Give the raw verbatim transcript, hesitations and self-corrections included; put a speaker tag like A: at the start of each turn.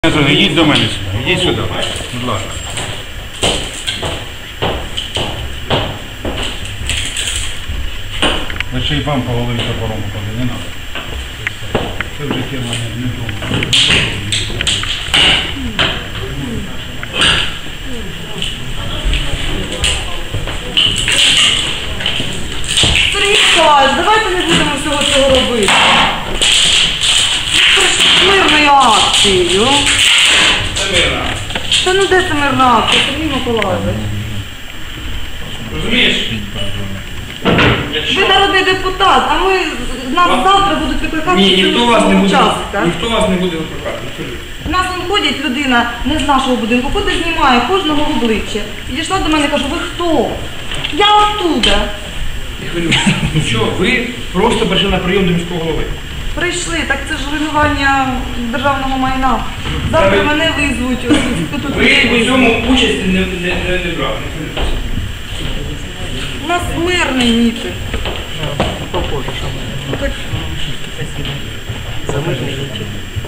A: Йдіть до мене сюди, йдіть сюди, будь ласка. Ви ще й вам по голові топором попаде, не треба. Це вже тема не вдома.
B: Сергій Миколаївич, давайте не будемо всього цього робити. Мирною акцією.
C: Це мирна.
B: Та ну де це мирна акція, Сергій Миколаївич?
C: Розумієш?
B: Ви народний депутат, а ми, нас завтра будуть викликати
C: Ні, ніхто вас не буде,
B: учасника.
C: ніхто вас не буде викликати.
B: У нас вон ходить людина не з нашого будинку, ходить, знімає кожного в обличчя. Підійшла до мене і каже, ви хто? Я оттуда.
C: Не хвилюйтесь. Ну що, ви просто прийшли на прийом до міського голови.
B: Прийшли, так це ж руйнування державного майна. Завтра
C: ви-
B: мене визвуть. ось тут.
C: Ви у цьому участі не, не, не, не брали. Не хвилюйтесь.
B: У нас мирний мітинг. Так.
D: За мирний мітинг.